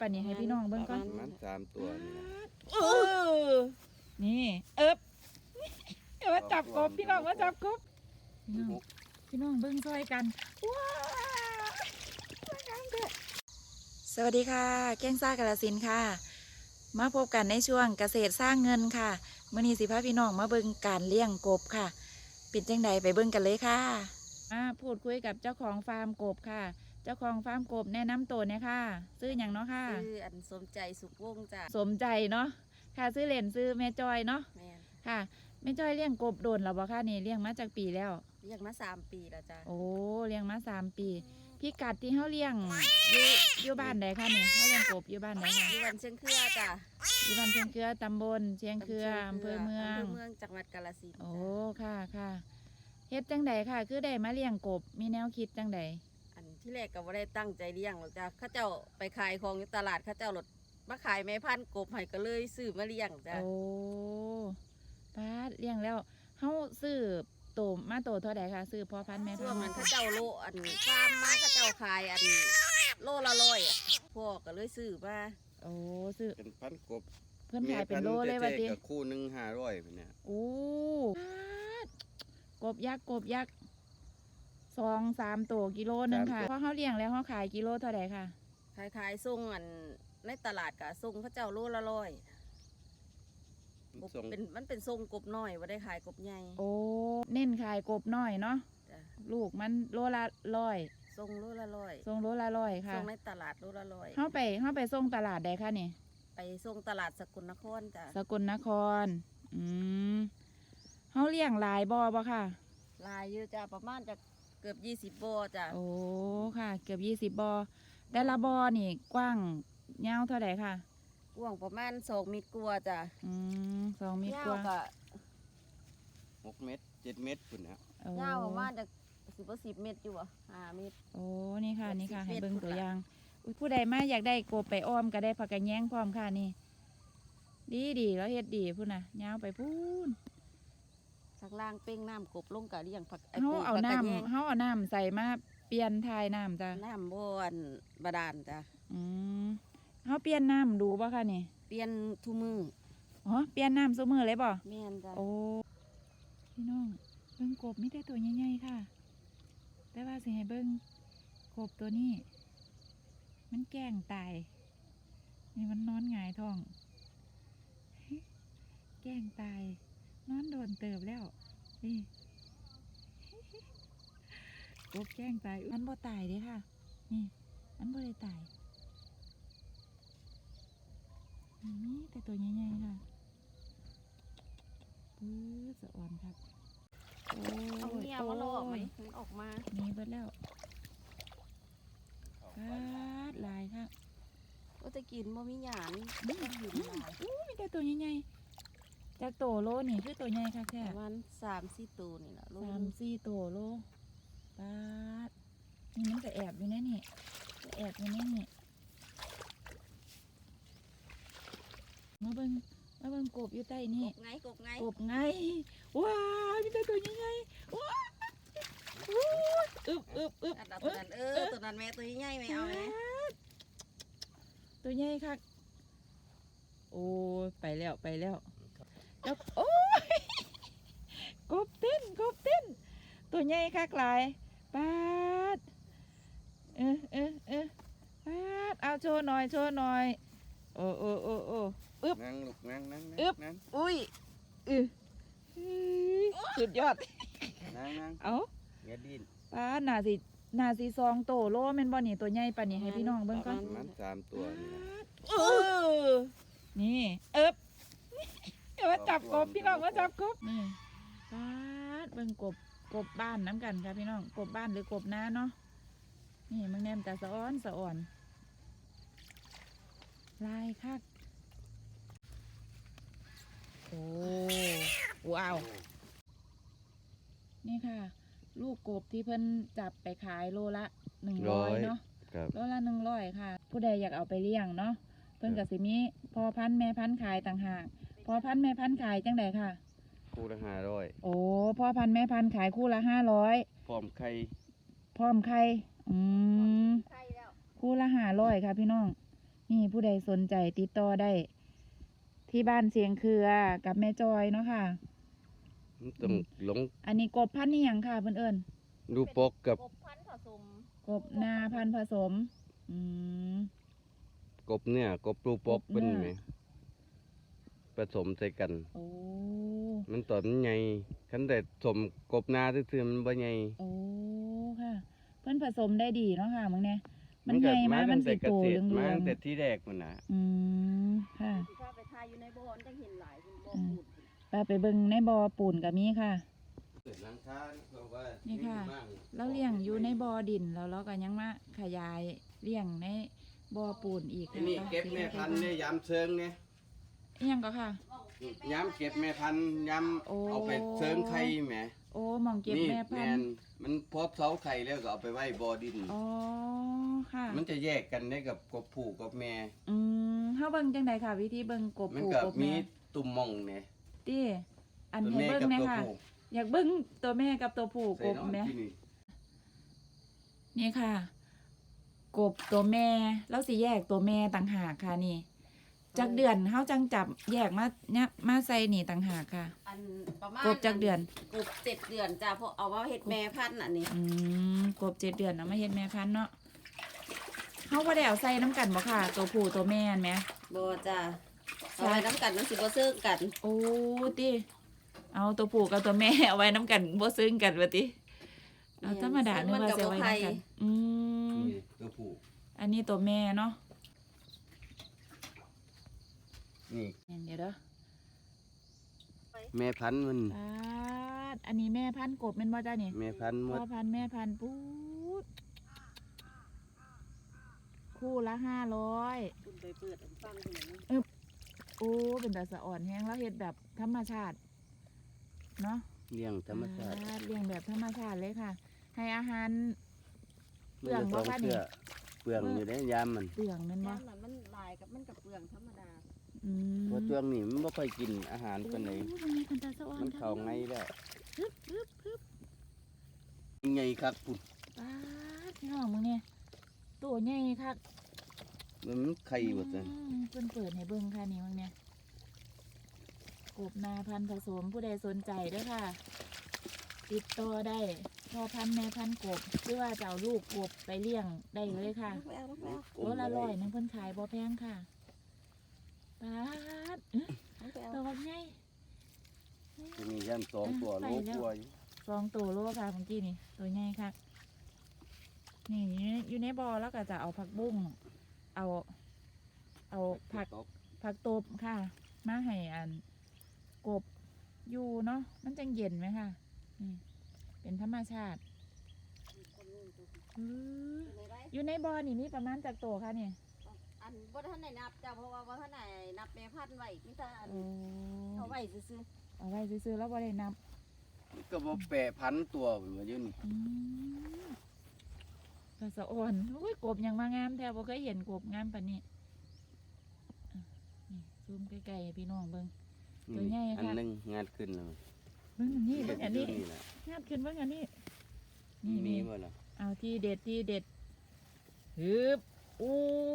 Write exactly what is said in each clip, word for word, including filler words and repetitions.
ปะนี่ให้พี่น้องเบิ่งก่อนมันสามตัวนี่นะเออนี่เอิบเดี๋ยวมาจับกบพี่น้องมาจับกบพี่น้องพี่น้องเบิ่งซอยกันว้าวสวัสดีค่ะแก้งซ่ากาฬสินธุ์ค่ะมาพบกันในช่วงเกษตรสร้างเงินค่ะมื้อนี้สิพาพี่น้องมาเบิ่งการเลี้ยงกบค่ะเป็นจังใดไปเบิ่งกันเลยค่ะมาพูดคุยกับเจ้าของฟาร์มกบค่ะเจ้าของฟาร์มกบแนะนำตัวเนี่ยค่ะซื้ออย่างเนาะค่ะซื้ออันสมใจสุขวงจ้ะสมใจเนาะค่ะซื้อเหรียญซื้อแม่จอยเนาะแม่นค่ะแม่จอยเลี้ยงกบโดนแล้วบ่ค่ะนี่เลี้ยงมาจากปีแล้วเลี้ยงมาสามปีแล้วจ้ะโอ้เลี้ยงมาสามปีพี่กัดที่เขาเลี้ยงอยู่อยู่บ้านใดคะนี่เขาเลี้ยงกบอยู่บ้านใดคะอยู่บ้านเชียงเครือจ้ะอยู่บ้านเชียงเครือตำบลเชียงเครืออำเภอเมืองอำเภอเมืองจังหวัดกาฬสินธุ์โอ้ค่ะค่ะเฮ็ดจังใดค่ะคือได้มาเลี้ยงกบมีแนวคิดจังใดอันที่แรกก็บ่ได้ตั้งใจเลี้ยงหรอกจ้ะเข้าเจ้าไปขายของอยู่ตลาดเข้าเจ้าหลดมาขายแม่พันธุ์กบให้ก็เลยซื้อมาเลี้ยงจ้ะโอ้ป้าเลี้ยงแล้วเฮาซื้อโตมาโตเท่าใดคะซื้อพ่อพันธุ์แม่พันธุ์ช่วงนั้นเข้าเจ้าโลอันฟาร์มมาเข้าเจ้าขายอันโลละร้อยพ่อก็เลยซื้อมาโอ้ซื้อเป็นพันกบเพื่อนขายเป็นโลเลยว่าติคู่หนึ่งห้าร้อยเนี่ยโอ้กบยักษ์กบยักษ์สองสามตัวกิโลนึงค่ะเพราะเขาเลี้ยงแล้วเขาขายกิโลเท่าไหร่ค่ะขายขายส่งอันในตลาดกะส่งเข้าเจ้าโลละร้อยเป็นมันเป็นทรงกบน้อยว่าได้ขายกบใหญ่โอ้เน้นขายกบน้อยเนาะลูกมันโลละร้อยทรงโลละร้อยทรงโลละร้อยค่ะทรงในตลาดโลละร้อยเข้าไปเข้าไปส่งตลาดใดคะนี่ไปส่งตลาดสกลนครจ้ะสกลนครอืมเขาเลี้ยงหลายบ่อบ่ค่ะลายเยอะจ้ะประมาณจะเกือบยี่สิบบ่อจ้ะโอ้ค่ะเกือบยี่สิบบ่อแต่ละบ่อนี่กว้างยาวเท่าไหร่ค่ะกว้างประมาณสองเมตรกว่าจ้ะอืมสองเมตรกว่าหกเมตรเจ็ดเมตรคุณนะยาวประมาณจะสิบกว่าสิบเมตรอยู่อ่ะห้าเมตรโอ้นี่ค่ะนี่ค่ะให้เบิ่งตัวอย่างผู้ใดมาอยากได้กบไปอ้อมก็ได้ผักกระแยงพร้อมค่ะนี่ดีดีแล้วเฮ็ดดีพูดนะยาวไปพูนข้างล่างเป้งน้ำกบลงกะเลี้ยงผักเขาเอาน้ำเขาเอาน้ำใส่มาเปลี่ยนทายน้ำจ้ะน้ำบ่อนบาดาลจ้ะอืมเขาเปลี่ยนน้ำดูป่ะค่ะนี่เปลี่ยนทุมืออ๋อเปลี่ยนน้ำซุมือเลยป่ะแม่นจ้ะโอ้พี่น้องเบิ่งกบมีแต่ตัวใหญ่ๆค่ะแต่ว่าสิให้เบิ่งกบตัวนี้มันแกล้งตายนี่มันนอนหงายท้องแกล้งตายนอนโดนเติบแล้วนี่กบแกล้งตายมันบ่ตายเด้ค่ะนี่มันบ่ได้ตายนี่แต่ตัวใหญ่ๆค่ะปื้อสะอ่อนครับโอ้เอาเงี้ยมาลอกไหมมันออกมานี่เบิดแล้วปาดลายค่ะก็จะกินบ่มีหยางนี่อยู่ลายอู้มีแต่ตัวใหญ่ๆจากโตโลนี่คือตัวใหญ่ค่ะแค่ประมาณสามสี่ตัวนี่แหละสามสี่ตัวโลปาดนี่มันจะแอบอยู่แน่นี่จะแอบอยู่แน่นี่มาเบิ่งมาเบิ่งกบอยู่ใต้นี่กบไงกบไงกบไงว้าวมีแต่ตัวใหญ่ๆว้าวอึบอึบอึบตัวนั้นเออตัวนั้นแม่ตัวใหญ่ไหมเอาไหมตัวใหญ่ค่ะโอ้ไปแล้วไปแล้วแล้วโอ้ยกบเต้นกบเต้นตัวใหญ่ค่ะกลายปาดเออเออเออปาดเอาโชว์หน่อยโชว์หน่อยโอ้โอ้โอ้โอ้อึบนั่งลูกนั่งนั่งอึบอุ้ยอือสุดยอดนั่งนั่งเอาอย่าดิ้นป้าหนาสิหนาสิซองโตโลแม่นบ่นี่ตัวใหญ่ปานนี้ให้พี่น้องเบิ่งก่อนมันสามตัวนี่เออนี่เอิบเดี๋ยวมาจับกบพี่น้องมาจับกบนี่ป้าเบิ่งกบกบบ้านน้ำกันค่ะพี่น้องกบบ้านหรือกบนาเนาะนี่มึงแนมแต่สะอ้อนสะอ่อนลายคักโอ้ว้าวนี่ค่ะลูกกบที่เพิ่นจับไปขายโลละหนึ่งร้อยเนาะโลละหนึ่งร้อยค่ะผู้ใดอยากเอาไปเลี้ยงเนาะเพิ่นกับสิมีพอพันแม่พันขายต่างหากพอพันแม่พันขายจังใดค่ะคู่ละห้าร้อยโอ้พ่อพันแม่พันขายคู่ละห้าร้อยพร้อมไข่พร้อมไข่อืมคู่ละห้าร้อยค่ะพี่น้องนี่ผู้ใดสนใจติดต่อได้ ที่บ้านเสียงเครือกับแม่จอยเนาะค่ะมันต้องหลงอันนี้กบพันธุ์นี่ยังค่ะเพื่อนเอิญดูปกกับกบพันธุ์ผสมกบนาพันธุ์ผสม อืมกบเนี่ยกบดูปกกบเนี่ยเป็นไหมผสมใส่กันโอ้มันตอนใหญ่คันแต่สมกบนาซื่อๆมันบ่ใหญ่โอ้ค่ะ เพื่อนผสมได้ดีเนาะค่ะมึงเนี่ยมันก็ใหญ่มากมันตั้งสีแต่เกโตษเหตรลืมาองตั้งแต่ที่แรกมันน่ะๆอืมค่ะสิพาไปทายอยู่ในบ่อมันจังเห็นหลายคุณบ่ออืมปูนไปไปเบิ่งในบ่อปูนกับมีค่ะเกิดหลังคาเพราะว่านี่ค่ะมีบ้างเราเลี้ยงอยู่ในบ่อดินแล้วเราก็ยังมาขยายเลี้ยงในบ่อปูนอีกอันนี้เก็บแม่พันธุ์เนี่ยยามเชิงเนี่ยอิหยังก็ค่ะยามเก็บแม่พันธุ์ยามโอ้เอาไปเชิงไข่แหมโอ้หมองเก็บนี่แม่พัแม่นนธุ์มันพบเสาไข่แล้วก็เอาไปไว้บ่อดินอ๋อค่ะมันจะแยกกันได้กับกบผู้กับแม่อืมเฮาเบิ่งจังไดค่ะ วิธีเบิ่งกบมันปูก็กบมีแม่ตุ่มหมองเนี่ยติอันตัวให้แม่เบิ่งกับแม่ตัวค่ะผู้อยากเบิ่งตัวแม่กับตัวผู้ใส่กบเนาะแม่ที่นี่นี่ค่ะ กบตัวแม่เราสิแยกตัวแม่ต่างหากค่ะนี่จากเดือนเฮาจังจับแยกมาเนี่ยมาใส่นี่ต่างหากค่ะอันประมาณกบจากเดือนกบเจ็ดเดือนจ้ะเพราะเอาว่าเฮ็ดแม่พันธุ์อันนี้อืมกบเจ็ดเดือนเนาะมาเฮ็ดแม่พันธุ์เนาะเฮาบ่ได้เอาใส่น้ำกันบ่ค่ะ ตัวผู้ตัวแม่นแหมบ่จ้ะเอาไว้น้ำกันมันสิบ่ซึ้งกันโอ้ติเอาตัวผู้กับตัวแม่ เอาไว้น้ำกันบ่ซึ้งกันว่าติเอาธรรมดานึกว่าจะไว้น้ำกันอืมนี่ตัวผู้อันนี้ตัวแม่เนาะนี่เดี๋ยวเด้อแม่พันธุ์มันปาดอันนี้แม่พันธุ์กบแม่นบ่จ้านี่แม่พันธุ์หมพ่ดอพันธุ์แม่พันธุ์ปูดคู่ละห้าร้อยคุณไปเปิดอันฟังคุณนะโอ้เป็นแต่สะอ่อนแห้งแล้วเฮ็ดแบบธรรมชาติเนาะเลี้ยงธรรมชาติอ่เลี้ยงแบบธรรมชาติเลยค่ะ ให้อาหาร เปมัลืองจะบ่ต้องคะนี่เชื่อเปลืองอยู่ได้ยามมันเปลืองแมันบ่น้ำน่ะมันลายกับมันกับเปลืองธรรมดาอืมเพราะช่วงนี้มันไม่ค่อยกินอาหารปานใดโอ้มันมีเป็นแต่สะอ่อนมันเข้าไงแล้วฮึบฮึบฮึบไงครับปุ่นปาดพี่น้องมึงเนี่ยตัวใหญ่คักมันไข่หมดเลยอืมเพิ่นเปิดให้เบิ่งค่ะนี่มึงเนี่ยกบนาพันธุ์ผสมผู้ใดสนใจเด้วยค่ะ ติดต่อได้พ่อพันธุ์แม่พันธุ์กบหรือว่าจะเอาลูกกบไปเลี้ยงได้เลยค่ะลูกแอลลูกแอลโลละร้อยหนึงเพิ่นขายบ่แพงค่ะปาดอื้อลูกแอลตัวบักใหญ่จะมีย่านสองตัวไปโลแล้วกว่าอยู่สองตัวโลค่ะเมื่อกี้นี่ตัวใหญ่ค่ะนี่อยู่ในอยู่ในบ่อแล้วก็จะเอาผักบุ้งเอา เอาผักตบผักตบค่ะ มาให้อันกบอยู่เนาะมันจังเย็นไหมค่ะนี่เป็นธรรมชาติอื้ออยู่ในบ่อนี่มีประมาณจากตัวค่ะเนี่ยอันบ่ท่านไหนนับจ้ะเพราะว่าบ่ท่านไหนนับแม่พันธุ์ไว้มีแต่อันโอ้เอาไว้ซื่อเอาไว้ซื้อๆแล้วบ่ได้นับมันก็บ่แปรพันตัวเหมือนอยู่นี่อืมกระสะอ่อนอุ้ยกบยังมางามแท้บ่เคยเห็นกบงามปานนี้อ่ะนี่ซูมใกล้ๆให้พี่น้องเบิ่ง ตัวใหญ่อันค่ะหนึงงานขึ้นแล้วเบิ่งอันนี้เบิ่งอันนี้นี่แหละงามขึ้นเบิ่งอันนี้มีนี่มีนี่บ่ล่ะเอาที่เด็ดที่เด็ดฮึบอู้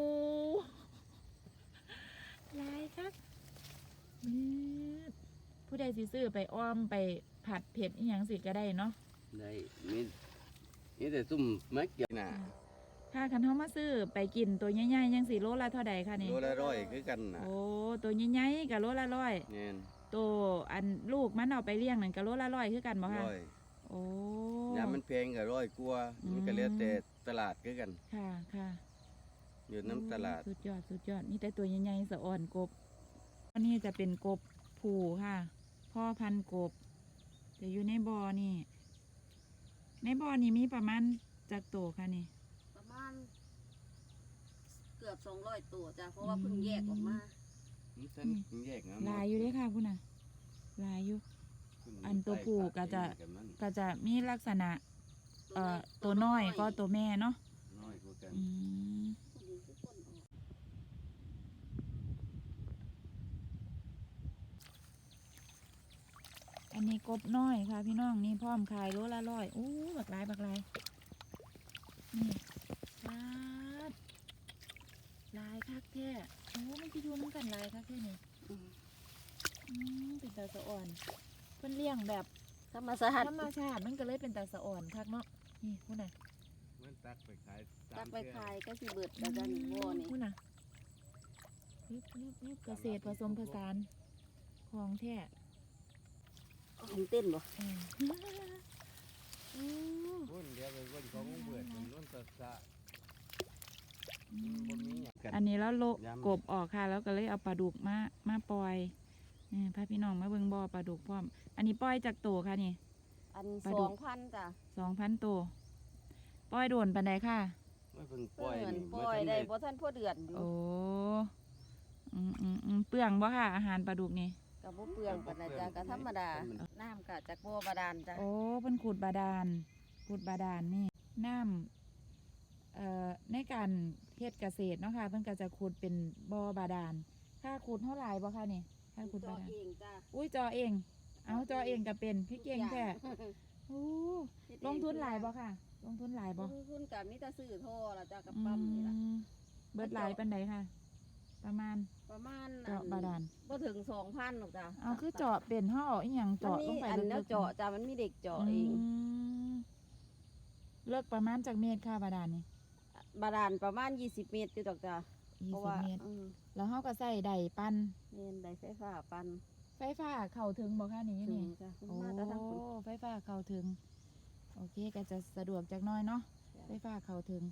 ลายครับมืดผู้ใดสิซื้อไปอ้อมไปผัดเผ็ดอีหยังสิก็ได้เนาะได้มีนี่แต่ซุ่มมักเกี่ยวน่ะถ้าคันเฮามาซื้อไปกินตัวใหญ่ๆยังสิโลละเท่าใดคะนี่โลละร้อยคือกันน่ะโอ้ตัวใหญ่ๆกับโลละร้อยแน่นตัวอันลูกมันเอาไปเลี้ยงนั่นกับโลละร้อยคือกันบ่คะร้อยโอ้ยามมันแพงก็ร้อยกว่าอืมมันก็แล้วแต่ตลาดคือกันค่ะค่ะอยู่น้ำตลาดสุดยอดสุดยอดนี่แต่ตัวใหญ่ๆสะอ่อนกบอันนี้จะเป็นกบผูค่ะ พ่อพันธุ์กบจะอยู่ในบ่อนี่ ในบ่อนี่มีประมาณจากโตวค่ะนี่ๆประมาณเกือบสองร้อยตัวจ้ะเพราะว่าเพิ่งแยกออกมามันฉันแยกนะลายอยู่เด้อค่ะคุณน่ะลายอยู่ อันตัวผู้ก็จะ ก็จะมีลักษณะ เอ่อตัวน้อยก็ตัวแม่เนาะน้อยกว่ากันอืมอันนี้กบน้อยค่ะ พี่น้องนี่พร้อมขายโลละร้อยอู้บักลายบักลายนี่ปาดลายค่ะคักแท้โอ้มันจะอยู่น้ำกันหลายคักแท้นี่อืมอืมเป็นตาสะอ่อนเพิ่นเลี้ยงแบบธรรมชาติธรรมชาติมันก็เลยเป็นตาสะอ่อนคักเนาะนี่พูดน่ะมันตักไปขายสาจัมกไปเทื่อขายก็สิเบิดแล้วจ้ะนี่บ่นี่พูดน่ะนี่นี่นี่เกษตรผสมผสานของแท้ของเต้นบ่อืมโอ้พุ่นเดียวไปพุ่นของเบื่อเป็นรุ่นตัดสะอืบ่มมีหยังกันอันนี้แล้วโละยำกบออกค่ะ แล้วก็เลยเอาปลาดุกมามาปล่อยนี่พาพี่น้องมาเบิ่งบ่อปลาดุกพร้อม อันนี้ปล่อยจากโตค่ะนี่อันปลาดุสกองพันจ้ะสองพันโตปล่อยโดนปันใดค่ะไม่เพิ่งปเพิ่ล่อยนนี่ปล่อยบ่ทันได้ได้บ่ทันพอเดือนอยู่โอ้อืมอืมอืมเปลืองบ่ค่ะ อาหารปลาดุกนี่ก็บ่เปลืองปานใดจ้ะก็ธรรมดา น้ำก็จากบ่อบาดาลจ้ะโอ้เพิ่นขุดบาดาลขุดบาดาลนี่น้ำเอ่อในการเฮ็ดเกษตรเนาะค่ะเพิ่นก็จะขุดเป็นบ่อบาดาลค่าขุดเท่าไหร่บ่ค่ะนี่ค่าขุดตัวบาดาลเองจ้ะอุ้ยจอเอง เอาจอเองก็เป็นพี่เก่งแท้โอ้ลงทุนหลายบ่ค่ะ ลงทุนหลายบ่ลงทุนก็มีแต่ซื้อท่อละจ้ะกับปั๊มนี่ล่ะอืมเบิดหลายปานใดค่ะ ประมาณประมาณเจาะบาดาลบ่ถึงสองพันหรอกจ้ะเอาคือเจาะเป็นเฮาเอาอีหยังมันเจาะลมีงไปอันลึแล้วกๆเจาะจ้ะมันมีเด็กเจาะเองมเลิกประมาณจากเมตรค่ะบาดาลนี่บาดาลประมาณยี่สิบเมตรอยู่ดอกจ้ะยี่เพราะสิบว่าเมตรอืมแล้วเฮาก็ใส่ไดปั้นเน้นได้ไฟฟ้าปั่นไฟฟ้าเข้าถึงบ่ค่ะนี่อยู่ถึงนี่จ้ะโอ้มาแต่ทางคุณไฟฟ้าเข้าถึง โอเคก็จะสะดวกจักหน้อยเนาะ ไฟฟ้าเข้าถึง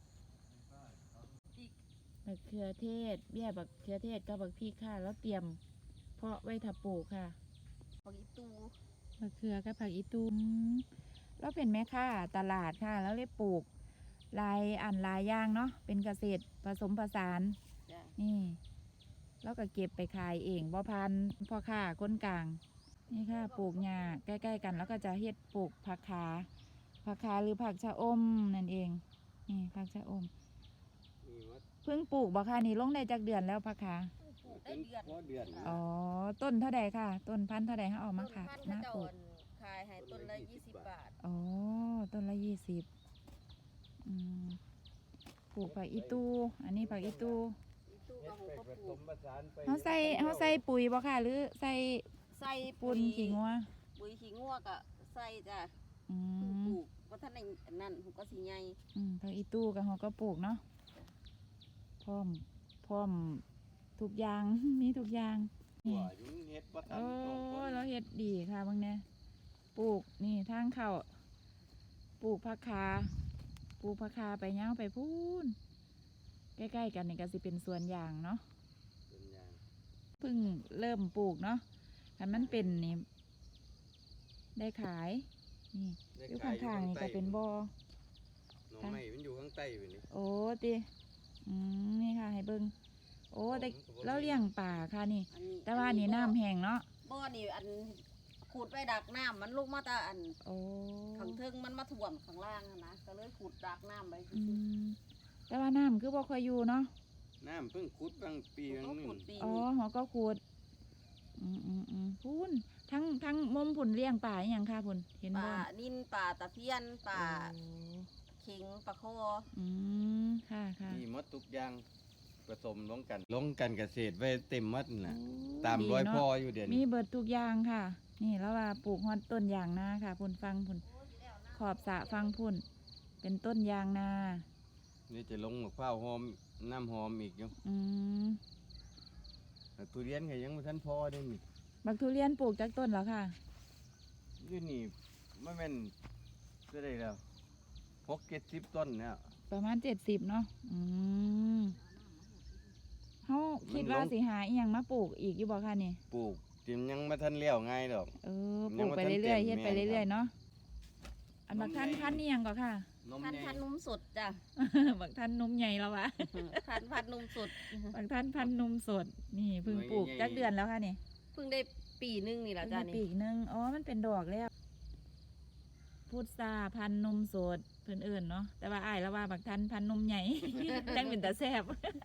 บักเขือเทศ เบี้ยบักเขือเทศกับบักพริกค่ะ แล้วเตรียมเพาะไว้ถ้าปลูกค่ะผักอีตูมะเขือกับผักอีตูมแล้วเป็นแม่ค้าตลาดค่ะ แล้วเลยปลูกหลายอันหลายอย่างเนาะเป็นเกษตรผสมผสานจ้ะนี่แล้วก็เก็บไปขายเองบ่พันพ่อค้าคนกลาง นี่ค่ะปลูกหญ้าใกล้ๆกัน แล้วก็จะเฮ็ดปลูกผักขาผักขาหรือผักชะอมนั่นเองนี่ผักชะอมนี่ว่าเพิ่งปลูกบ่ค่ะนี่ลงได้จากเดือนแล้วผักขาปลูกได้เดือนพอเดือนอ๋อต้นเท่าใดค่ะ ต้นพันธุ์เท่าใดเขาเอามาต้นขายพันธุ์มาเขาเจ้าปลูกอันขายให้ต้นละยี่สิบบาทอ๋อ ต้นละยี่สิบอืมปลูกผักอีตู อันนี้ผักอีตูอีตูเฮ็ก็ดหูไปก็ผปสลูกมผสานไปเขาใส่เขาใส่ปุ๋ยบ่ค่ะ หรือใส่ใส่ปูนขี้งัวปุ๋ยขี้งัวก็ใส่จ้ะอืเพิ่งมปลูกว่าท่านในนั่นหูก็สิใหญ่อืมผักอีตูกับเขาก็ปลูกเนาะ พร้อม พร้อมทุกอย่าง มีทุกอย่างหันี่วยุงเฮ็ดบ่ทันโอ้ตรงคนเราเฮ็ดดีค่ะบางเนี่ยปลูกนี่ทางเข้าปลูกผักคาปลูกผักคาไปเง้าวไปพูนใกล้ๆกันนี่ก็สิเป็นสวนยางเนาะเป็นอย่างเพิ่งเริ่มปลูกเนาะคันมันเป็นนี่ได้ขาย นี่อยู่ข้างๆนี่ก็เป็นบ่อหน่อไม้มันอยู่ข้างใต้อยู่นี่โอ้ติอืมนี่ค่ะให้เบิ่งโอ้แต่เราเลี้ยงป่าค่ะนี่อันนี้แต่ว่านี่น้ำแห้งเนาะบ่อนี่อันขูดไว้ดักน้ำมันลงมาแต่อันโอ้ข้างเทิงมันมาท่วมข้างล่างอะนะก็เลยขูดดักน้ำไว้อืมแต่ว่าน้ำคือบ่ค่อยอยู่เนาะน้ำเพิ่งขุดบางปีก็บางหนึขูงดปีอ๋อนี้หอก็ขูด อืมอืมอืมพูนทั้งทั้งมุมผุนเลี้ยงป่าอหย่างค่ะผุนเห็นป่าบ่นินป่าตะเพียนป่าโอ้เข็งปลาคออืมค่ะค่ะมีหมดทุกอย่างผสมลงกัน ลงกันเกษตรไว้เต็มหมดน่ะโอ้ตามดีรอยเนะพ่ออยู่เดี๋ยวมีนี้เบิดทุกอย่างค่ะ นี่แล้วว่าปลูกฮอดต้นยางนาค่ะผุนฟังผุนขอบสระฟังผุนเป็นต้นยางนานี่จะลงมะพร้าวหอมน้ำหอมอีกอยู่อืมแต่ทุเรียนก็ยังบ่ทันพอได้นี่บักทุเรียนปลูกจากต้นแล้วค่ะอยู่นี่ไม่แม่นก็ได้แล้วหกเจ็ดสิบต้นเนี่ยประมาณเจ็ดสิบเนาะ อืมเขาคิดว่าสิหาอีหยังมาปลูกอีกอยู่บ่ค่ะนี่ปลูกจิมยังไม่ทันเลี้ยวง่ายดอกเออปยัลูงกบ่ไปทันเรื่อยๆเต็เฮ็มดไปแม่นเรื่อยๆเนาะ อันบักท่านนมใหญ่พันนี่ยังก็ค่ะนมพันใหญ่พันนุ่มสดจ้ะบักท่านนมใหญ่แล้ววะพันพันนุ่มสดบักท่านพันนมสด นี่เพิ่งปลูกจักเดือนแล้วค่ะนี่เพิ่งได้ปีนึงนี่แหละจ้ะเพิ่งได้นี่ปีกหนึงอ๋อ มันเป็นดอกแล้ว พุทราพันนมสดเพิ่นเอิ่นเนาะ แต่ว่าอ้ายแล้วว่าบักท่านพันนมใหญ่ จังเป็นตาแซ่บ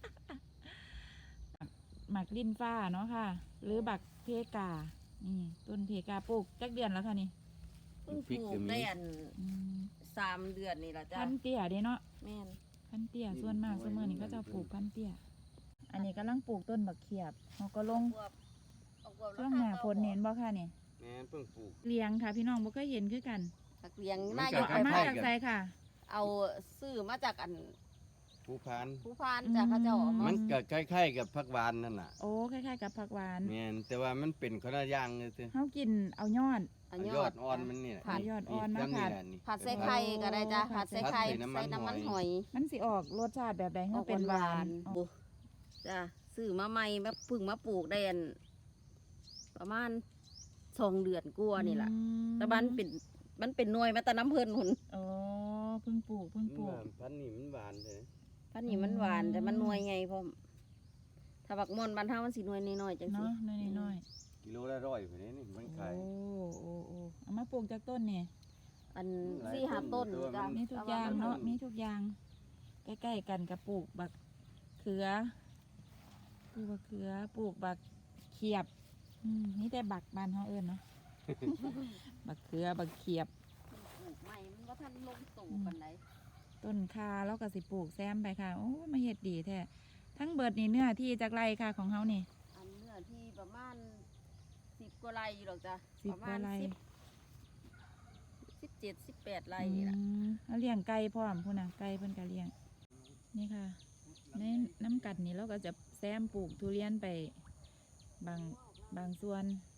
หมักลิ้นฟ้าเนาะค่ะ หรือบักเพกา นี่ต้นเพกาปลูกจักเดือนแล้วค่ะนี่เพิ่งปลูกได้อันอืมสามเดือนนี่แหละจ้ะพันเตี้ยเด้เนาะแม่นพันเตี้ยส่วนมากส่วนมากนี่ก็จะปลูกพันเตี้ยอันนี้กำลังปลูกต้นบักเขียบเขาก็ลงบวบเอาบวบช่วงหน้าฝนเห็นบ่ค่ะนี่แม่นเพิ่งปลูกเลี้ยงค่ะ พี่น้องบ่เคยเห็นคือกันผักเลี้ยงมันาน ยจะกเอามาคล้ายๆจากกันไสค่ะเอาซื้อมาจากอันภูพานผู้พานจากเขาเจ้าเอามัมานก็คล้ายๆกับผักหวานนั่นน่ะโอ้คล้ายๆกับผักหวานแม่นแต่ว่ามันเป็นคนละอย่างเลยสิเฮากินเอายอดเอายยออดดอ่อนมันนี่แหละผัดยอดอ่อนมาจังผัดแหละนี่ผัดใส่ไข่ก็ได้จ้ะโอ้ผัดใส่ผัดไข่ใส่ใส่น้ำมันน้ำมันหหออย ยมันสิออกรสชาติแบบใดอเฮาอกเป็นหวานๆบุจ้ะซื้อมาใหม่แบบเพึ่งมาปลูกได้อันประมาณสองเดือนกว่านี่แหละอืมแต่มันเป็นมันเป็นหน่วยมาแต่น้ำเพิ่นหุ่นโอ้เพิ่งปลูกเพิ่งปลูกพันธุ์นี่มันหวานเลยพันนี้มันหวานอืมแต่มันหน่วยไงพ่อมถ้าบักม่อนบ้านเฮามันสิหน่วยน้อยๆจังซี่เนาะน้อยกิโลละร้อยไปนี่นี่มันๆขายโอ้โอ้โอ้เอามาปลูกจากต้นนี่อันหลายสี่ห้าต้ต้นนอยู่จ้ะแต่ว่ามีทุกอย่างเนาะมีทุกอย่าง ใกล้ๆกันกับปลูกบักเขือปลูกบักเขือปลูกบักเขียบอืมนี่แต่บักบานเฮาเอิ้นเนาะ บักเขือบักเขียบปลูกใหม่มันบ่ทันลงตู่ปานใดต้นคาแล้วก็สิปลูกแซมไปค่ะ โอ้มาเฮ็ดดีแท้ทั้งเบิดนี่เนื้อที่จากไรค่ะของเฮานี่อันเนื้อที่ประมาณสิบกว่าไร่อยู่หรอกจ้ะสิบประกมาว่าณไรสิบสิบเจ็ดสิบแปดไร่นี่ล่ะอืมแล้วเลี้ยงไก่พร้อมพุ่นน่ะไก่เพิ่นก็เลี้ยง นี่ค่ะ ในน้ำกัดนี่เราก็จะแซมปลูกทุเรียนไปบางบางส่วน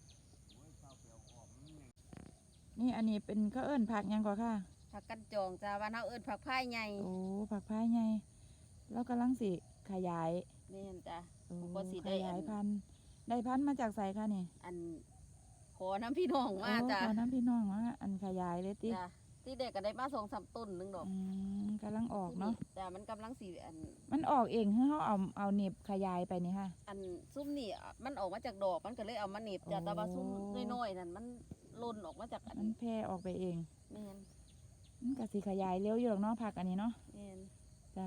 นี่อันนี้เป็นข้าวเอิ้นผักหยังก่อค่ะผักกันจองจ้ะบ้านเฮาเอิ้นผักพายใหญ่โอ้ผักพายไงแล้วกำลังสิขยายแม่นจ้ะโอ้ก็สิขได้อัยายนพันธุ์ได้พันธุ์มาจากไสค่ะนี่อันขอน้ำพี่น้องมาจ้ะโอ้ขอน้ำพี่น้องว่าอันขยายเลยติจ้ะที่เด็กก็ได้มาสองสามต้นหนึงดอกอืมกำลังออกเนาะจ้ะมันกำลังสิอันมันออกเองให้เขาเอาเอาเน็บขยายไปนี่ค่ะอันซุ้มนี่อ่ะมันออกมาจากดอกมันก็เลยเอามาเหน็บจ้ะโอ้แต่ว่าซุ้มน้อยๆนั่นมันหล่นออกมาจากอันมันแพร่ออกไปเองแม่นมันก็สิขยายเร็วอยู่หรอกเนาะผักอันนี้เนาะแม่นจ้ะ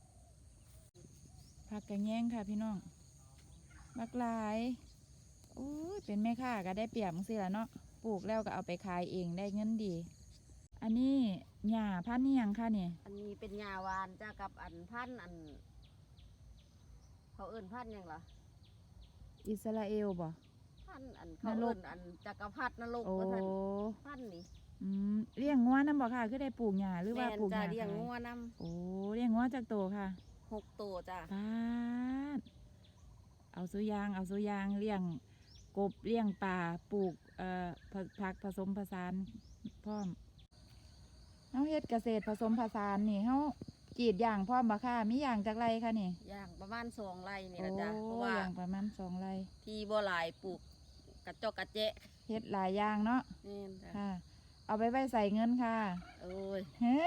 ผักกระแยงค่ะพี่น้องบักหลายโอ้ยเป็นแม่ค้าก็ได้เปรียบจังซี่ล่ะเนาะปลูกแล้วก็เอาไปขายเองได้เงินดี อันนี้หญ้าพันธุ์นี่ยังค่ะนี่อันนี้เป็นยาวานจ้ะกับอันพันธุ์อัน เขาเอิ้นพันธุ์หยังล่ะอิสราเอลบ่พันธุ์อันเขานรกเอิ้นอันจักรพรรดินรกโอ้ว่าซั่นพันธุ์นี่อืมเลี้ยงงัวนํบ่ค่ะคือได้ปลูกหญ้าหรือว่าแม่นปลูกหจ้ะญ้าเลี้ยงขายงัวนํโอ้เลี้ยงงัวจากโตค่ะหกตัวจ้ะปาดเอาสุยางเอาสุยางเลี้ยงกบเลี้ยงปลาปลูกเอ่อผักผักผสมผสานพร้อมเฮาเฮ็ดเกษตรผสมผสานนี่เฮากรีดอย่างพร้อมบ่ค่ะมีอย่างจากไรคะนี่ย่างประมาณสองไร่นี่โอ้ล่ะจ้ะเพราะว่าอย่างประมาณสองไรที่บ่หลายปลูกกระจอกกระเจะเฮ็ดหลายอย่างเนาะแม่นจ้ะค่ะ เอาไปไว้ใส่เงินค่ะโอ้ย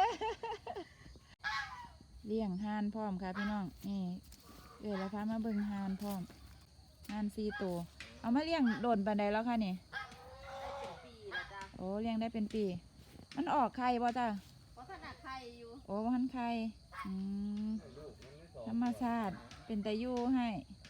เลี้ยงห่านพร้อมค่ะพี่น้องนี่เอ๋ยแล้วพามาเบิ่งห่านพร้อมห่านสี่ตัวเอามาเลี้ยงโดนปานใดแล้วค่ะนี่เป็นปีแล้วจ้ะโอ้เลี้ยงได้เป็นปี มันออกไข่บ่จ้ะเพราะขนาดไข่อยู่โอ้พันไข่อืมธรรมชาติเป็นตะยูให้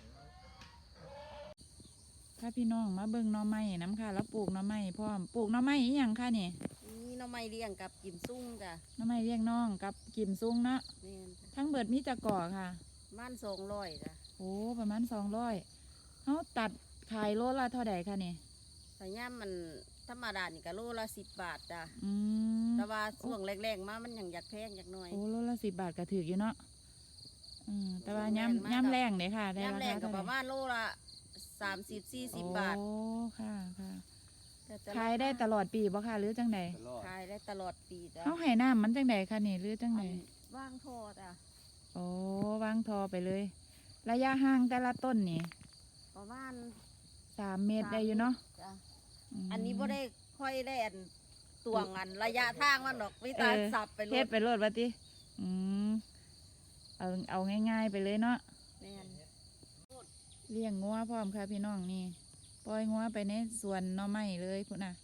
ค่ะพี่น้องมาเบิ่งหน่อไม้น้ำค่ะ แล้วปลูกหน่อไม้พร้อมปลูกหน่อไม้อีหยังค่ะนี่นี่หน้องไม้เลี้ยงกับกิมซุ่งจ้ะหน่อไม้เลี้ยงน้องกับกิมซุงเนาะแม่นจ้ะทั้งเบิดมีจักก่อค่ะบ้านสองร้อยจ้ะโอ้ประมาณสองร้อยเขาตัดขายโลละเท่าใดค่ะนี่แต่ย่ามมันธรรมดานี่ก็โลละสิบบาทจ้ะอืมแต่ว่าช่วงแรกๆมามันยังอยากแพงอยากหน่อยโอ้โลละสิบบาทก็ถืออยู่เนาะอืมแต่ว่าแม่นมากย้ำย้ำแรงเลยค่ะได้ย่ามราแรคางก็เท่าปไหร่ระมาณโลละสามสิบสี่สิบบาทโอ้ค่ะค่ะแต่จะขายได้ตลอดปีบ่ค่ะหรือจังใดตลอดขายได้ตลอดปีจ้ะเขาให้น้ำมันจังใดคะนี่หรือจังใดอันว่างโทอจ้ะโอ้วางทอไปเลย ระยะห่างแต่ละต้นนี่ประมาณสามเมตรได้อยู่เนาะจ้ะมอันนี้บ่ได้ค่อยได้อันตวงอันระยะทางมันดอกวิตาเออสับไปเลเฮ็ยดไปโลดว่าติอืมเอาเอาง่ายๆไปเลยเนาะแม่นเลี้ยงงัวพร้อมค่ะพี่น้องนี่ปล่อยงัวไปในสวนหน่อไม้เลยพุ่นน่ะ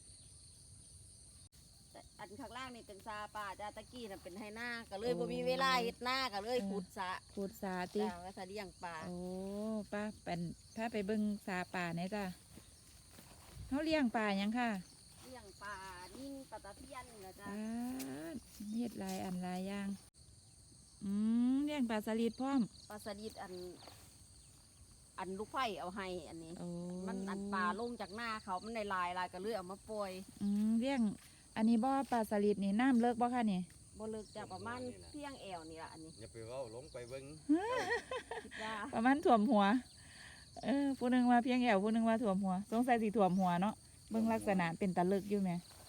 แต่อันข้างล่างนี่เป็นซาป่าจ้าตะกี้น่ะเป็นไฮนาก็เลยบ่มีเวลาเฮ็ดนาก็เลยขุดสระขุดสาติจ้าว่าสะเลี้ยงปลาโอ้ป้าเป็นพาไปเบิ่งสาป่าเนี่ยจ้ะเขาเลี้ยงป่าหยังค่ะเลี้ยงปลานิ่งปลาตะเพียนนี่นะจ้าปลาเฮ็ดหลายอันหลายอย่างอืมเลี้ยงปลาสลิดพร้อมปลาสลิดอันอันลูกไผ่เอาให้อันนี้โอ้มันอันปลาลงจากหน้าเขามันในลายลายก็เลยเอามาปล่อยอืมเลี้ยงอันนี้บ่ปลาสลิดนี่น้ำเลิกบ่คะนี่บ่เลิกจะประมาณเพียงแอวนี่ล่ะอันนี้อย่าไปเว้าลงไปเบิ่งคิดว่าประมาณถ่วมหัว เออผู้หนึงว่าเพียงแอวผู้หนึงว่าถ่วมหัวสงสัยสิถ่วมหัวเนาะเบิ่งลักษณะเป็นตะลึกอยู่แหม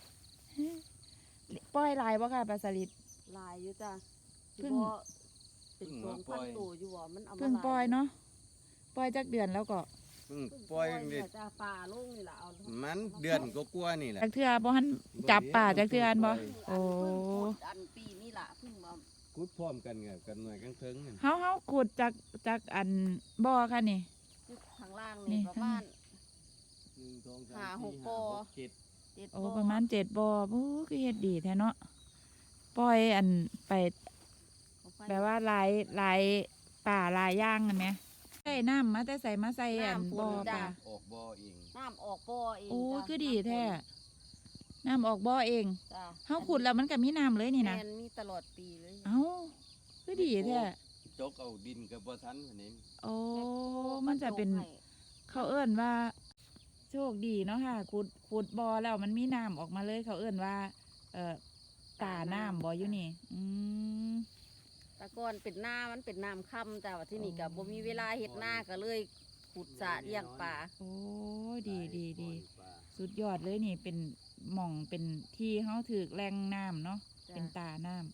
ปล่อยลายบ่ค่ะปลาสลิดลายอยู่จ้ะเพิ่สิงบ่เป็นสองพันตัวอยู่บ่มันเอามาเพิ่งปล่อยเนาะปล่อยจักเดือนแล้วก็เพิ่งเพิ่งปล่อยนี่นี่ล่ะจ้ะปลาลงนี่ล่ะเอามันเดือนก็กลัวานี่แหละจักเทื่อบ่หันจับป่าจักเทื่ออันบ่ โอ้เพิ่งขุดอันปีนี่ล่ะเพิ่งมากุดพร้อมกันกับกันหน่วยกันเทิงนั่นเฮาเฮาขุดจากจากอันบ่อค่ะนี่ข้างล่างนี่นี่ประมาณหนึ่งสองสามหาหสี่กห้าบ่อหกเจ็ดเจ็ดโอ้บ่อประมาณเจ็ดบ่อโอ้คือเฮ็ดดีแท้เนาะปล่อยอันไปของไฟแปลว่าหลายหลายป่าหลายอย่างนั่นแหมใส่น้ำมาแต่ใส่มาใส่อันบ่อป่าออกบ่อเองน้ำออกบ่อเองโอ้จ้ะคือดีแท้น้ำออกบ่อเองจ้ะเฮาขุดแล้วมันก็มีน้ำเลยนี่นะแม่มีตลอดปีเลยเอ้าคือดีแท้จกเอาดินกับบ่ทันอันนี้โอ้มันจะเป็น เขาเอิ้นว่า โชคดีเนาะค่ะขุดขุดบ่อแล้วมันมีน้ำออกมาเลย เขาเอิ้นว่า เอ่อตาน้ำบ่อยู่นี่ อืมแตะก่อนเป็นหน้ามันเป็นน้ำค่ำแต่ว่าที่นี่ก็อ๋อบ่มีเวลาเฮ็ดหน้าก็เลยขุดสระเลี้ยงปลาโอ้ดีดีดีสุดยอดเลยนี่เป็นหม่องเป็นที่เฮาถือแหล่งน้ำเนาะจ้ะเป็นตาน้ำ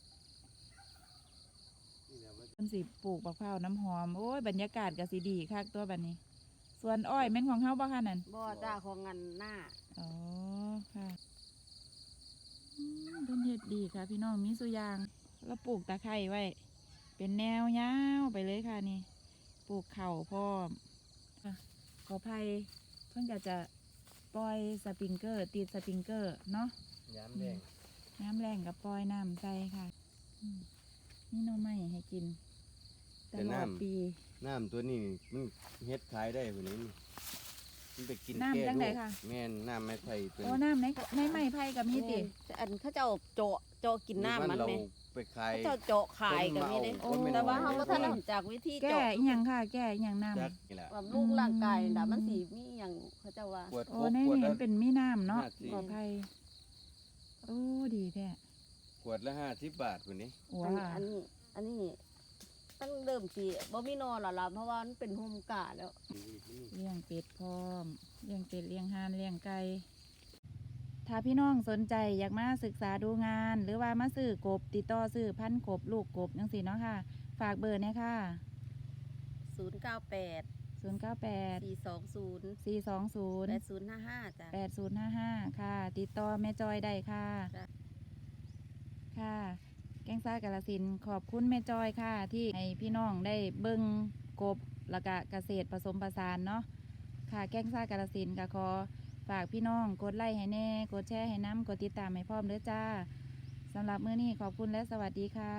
เพิ่นสิปลูกบักพร้าวน้ำหอม โอ้ยบรรยากาศก็สิดีคักตัวบัดนี้ ส่วนอ้อยแม่นของเฮาบ่คะนั่นบ่จ้าของงานหน้าอ๋อค่ะอืมเพิ่นเฮ็ดดีค่ะ พี่น้องมีสุอยางแล้วปลูกตะไคร้ไว้ เป็นแนวยาวไปเลยค่ะนี่ ปลูกเข่าวพร้อมค่ะขออภัยเพิ่นก็จะปล่อยสปริงเกอร์ ติดสปริงเกอร์เนาะยามแดงน้ำแรงกับปล่อยน้ำใส่ค่ะอืมนี่หน้องไม้ให้กินตลอดปีน้ำตัวนี้มันเฮ็ดขายได้พุ่นนี้มันไปกินน้ำแก้จังโรใดคค่ะแม่นน้ำไม้ไผ่เป็นโอ้น้ำในในไม้ไผ่กับมีติแต่อันเขาเจ้าเจาะเจาะกินน้ำมันเราไหมไปขายเขาเจ้าเจาะขายก็มีเด้คนมาเอาแต่ว่าคนเฮามาบ่เอาทันได้รู้จากวิธีแก้เจาะอีหยังค่ะ แก้อีหยังน้จักนี่แหละบำรุงร่างกายน่ะมันสิมีหยังเขาเจ้าว่าปวดำโอ้ครบในปวดนี้ละมันเป็นมีน้ำเนาะห้าสิบขออภัยโอ้ดีแท้ขวดละห้าสิบบาทพุ่นนี้ว้าอันนี้อันนี้ตั้งเริ่มสิบ่มีนอนหรอกล่ะเพราะว่ามันเป็นโฮมกาแล้วเลี้ยงเป็ดพร้อมเลี้ยงเป็ดเลี้ยงห่านเลี้ยงไก่ถ้าพี่น้องสนใจอยากมาศึกษาดูงาน หรือว่ามาซื้อกบติดต่อซื้อพันธุ์กบลูกกบจังซี่เนาะค่ะ ฝากเบอร์เนี่ยค่ะศูนย์เก้าแปดศูนย์ เก้า แปดสี่สองศูนย์สี่ สอง ศูนย์แปดศูนย์ห้าห้าจ้ะแปด ศูนย์ ห้า ห้า ค่ะ ติดต่อแม่จอยได้ค่ะจ้ะค่ะ แกงซ่ากาลสินธุ์ขอบคุณแม่จอยค่ะ ที่ให้พี่น้องได้เบิ่งกบแล้วก็เกษตรผสมผสานเนาะค่ะ แกงซ่ากาลสินธุ์ก็ขอฝากพี่น้องกดไลค์ให้แน่ กดแชร์ให้น้ำกดติดตามให้พร้อมเด้อจ้าสำหรับมื้อนี้ขอบคุณและสวัสดีค่ะ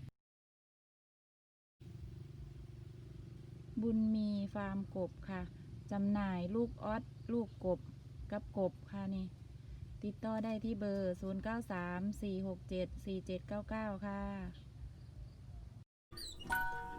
บุญมีฟาร์มกบค่ะจำหน่ายลูกออสลูกกบกับกบค่ะนี่ ติดต่อได้ที่เบอร์ ศูนย์ เก้า สาม สี่ หก เจ็ด สี่ เจ็ด เก้า เก้า ค่ะ